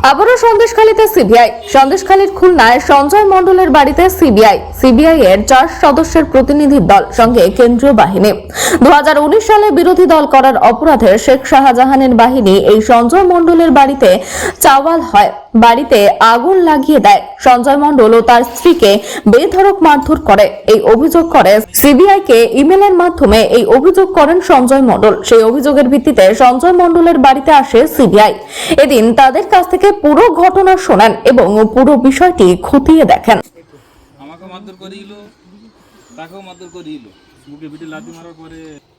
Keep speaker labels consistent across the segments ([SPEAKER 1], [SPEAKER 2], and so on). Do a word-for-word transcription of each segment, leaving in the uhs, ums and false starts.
[SPEAKER 1] আবারও সন্দেশখালীতে সিবিআই। সন্দেশখালীর খুলনায় সঞ্জয় মণ্ডলের বাড়িতে সিবিআই সিবিআই এর চার সদস্যের প্রতিনিধি দল সঙ্গে কেন্দ্রীয় বাহিনী। দু হাজার উনিশ সালে বিরোধী দল করার অপরাধে শেখ শাহজাহানের বাহিনী এই সঞ্জয় মণ্ডলের বাড়িতে চাওয়াল হয়, বাড়িতে আগুন লাগিয়ে দেয়। সঞ্জয় মণ্ডল ও তার স্ত্রীকে বেধড়ক মারধর করে এই অভিযোগ করে সিবিআই কে ইমেলের মাধ্যমে এই অভিযোগ করেন সঞ্জয় মণ্ডল। সেই অভিযোগের ভিত্তিতে সঞ্জয় মণ্ডলের বাড়িতে আসে সিবিআই। এদিন তাদের কাছ থেকে পুরো ঘটনা শোনেন এবং পুরো বিষয়টি খতিয়ে দেখেন।
[SPEAKER 2] আমাকে মারধর করিল, তাকেও মারধর করিল, বুকে পিঠে লাথি মারার পরে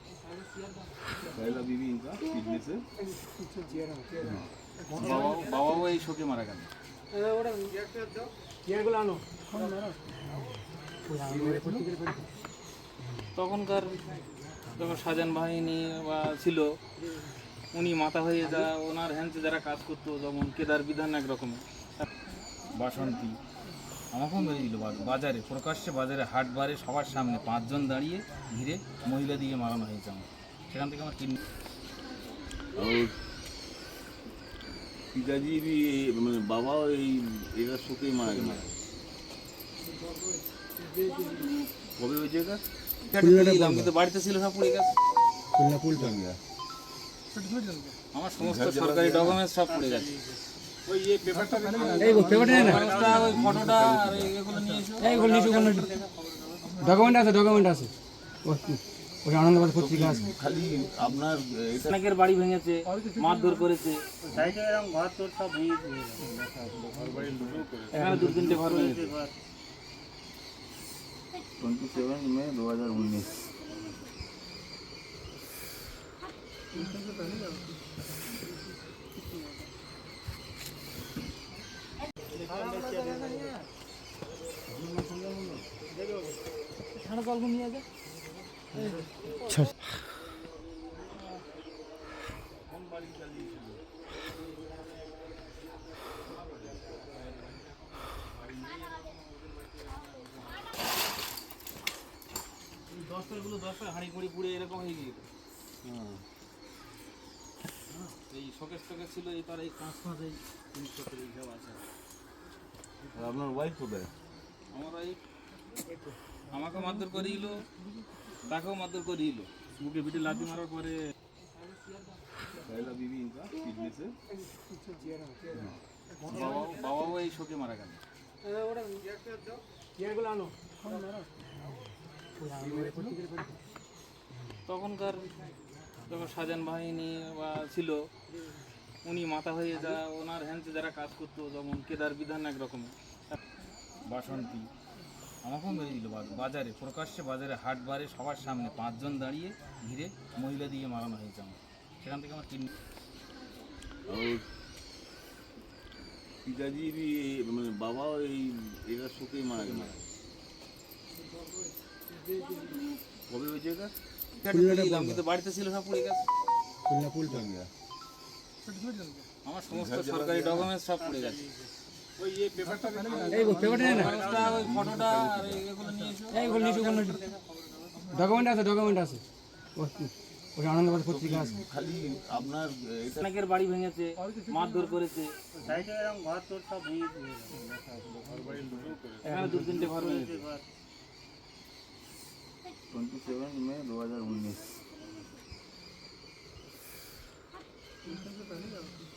[SPEAKER 2] বাবাও এই শোকে মারা গেল। তখনকার যখন শাহজাহান বাহিনী বা ছিল, উনি মাথা হয়ে যা ওনার হ্যান্ডে যারা কাজ করতো, যেমন কেদার বিধান একরকমের বাসন্তী আমাকেও মেরে দিল বাজারে, প্রকাশ্যে বাজারে হাট বারে সবার সামনে পাঁচজন দাঁড়িয়ে ঘিরে মহিলা দিয়ে মারানো হয়েছে আমার। সেখান থেকে আমার কিডনি
[SPEAKER 3] পিতাজির মানে বাবা এই এরা শোকেই মারা গেল। কবে হয়েছে এটা?
[SPEAKER 2] কিন্তু বাড়িতে ছিল সব পড়ে গেছে, আমার সমস্ত সরকারি ডকুমেন্টস সব পড়ে গেছে। ওই এই পেপারটা এই পেপারটা না ওই ফটোটা আর এগুলো নিয়ে এসো, এইগুলো নিয়ে এসো, ডকুমেন্ট আছে ডকুমেন্ট আছে ওই আনন্দবাজার পত্রিকা আছে।
[SPEAKER 3] খালি আপনার
[SPEAKER 2] অনেকের বাড়ি ভেঙেছে, মারধর করেছে,
[SPEAKER 4] সাইডে এরকম ঘর তোর সব ভেঙেছে,
[SPEAKER 2] এখানে দু তিনটে ঘর ভেঙেছে।
[SPEAKER 3] টোয়েন্টি সেভেন মে দু হাজার উনিশ
[SPEAKER 2] দশটাগুলো দশটা হাঁড়ি কুড়ি পুড়ে এরকম হয়ে গিয়ে এই শোকেস টোকেস ছিল, এই তার এই কাঁচ ফাঁস এই জিনিসপত্র এইসব আছে।
[SPEAKER 3] আপনার ওয়াইফ কোথায়?
[SPEAKER 2] আমার ওয়াইফ আমাকে মারধর করিল, তাকেও মারধর করিল, বুকে পিঠে লাথি মারার পরে বাবাও বাবাও এই শোকে মারা গেল। তখনকার যখন শাহজাহান বাহিনী বা ছিল, উনি মাথা হয়ে যা ওনার হ্যান্ডে যারা কাজ করতো, যেমন কেদার বিধান একরকমের বাসন্তী আমাকেও মেরে দিল বাজারে, প্রকাশ্যে বাজারে হাট বারে সবার সামনে পাঁচজন দাঁড়িয়ে ঘিরে মহিলা দিয়ে মারানো হয়েছে আমার। সেখান থেকে আমার কিডনি
[SPEAKER 3] পিতাজির মানে বাবা এই এরা শোকেই মারা গেল। কবে হয়েছে এটা?
[SPEAKER 2] কিন্তু বাড়িতে ছিল সব পড়ে গেছে, আমার সমস্ত সরকারি ডকুমেন্টস সব পড়ে গেছে। ওই এই পেপারটা এই পেপারটা না ওই ফটোটা আর এগুলো নিয়ে এসো, এইগুলো নিয়ে এসো, ডকুমেন্ট আছে ডকুমেন্ট আছে ওই আনন্দবাজার পত্রিকা আছে।
[SPEAKER 3] খালি আপনার
[SPEAKER 2] অনেকের বাড়ি ভেঙেছে, মারধর করেছে,
[SPEAKER 4] সাইডে এরকম ঘর তোর সব ভেঙেছে,
[SPEAKER 2] এখানে দু তিনটে ঘর ভেঙেছে।
[SPEAKER 3] টোয়েন্টি সেভেন মে দু হাজার উনিশ